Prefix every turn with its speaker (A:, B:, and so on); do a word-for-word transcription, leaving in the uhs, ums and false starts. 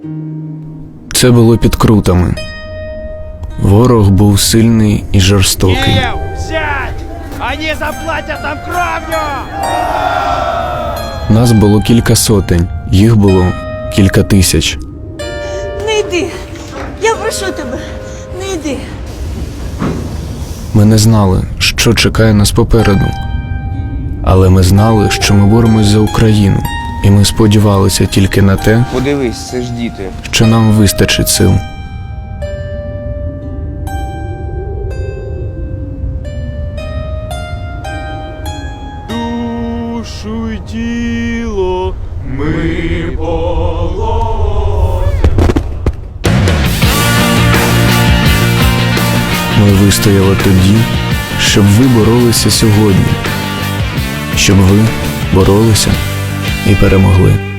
A: Це було під Крутами. Ворог був сильний і жорстокий.
B: Киев, сядь! Они заплатят нам кровью!
A: Нас було кілька сотень, їх було кілька тисяч.
C: Не йди. Я прошу тебе, не йди.
A: Ми не знали, що чекає нас попереду. Але ми знали, що ми боремось за Україну. І ми сподівалися тільки на те,
D: Подивись, це ж діти.
A: що нам вистачить сил.
B: Душу й тіло ми
A: Ми вистояли тоді, щоб ви боролися сьогодні. Щоб ви боролися і перемогли.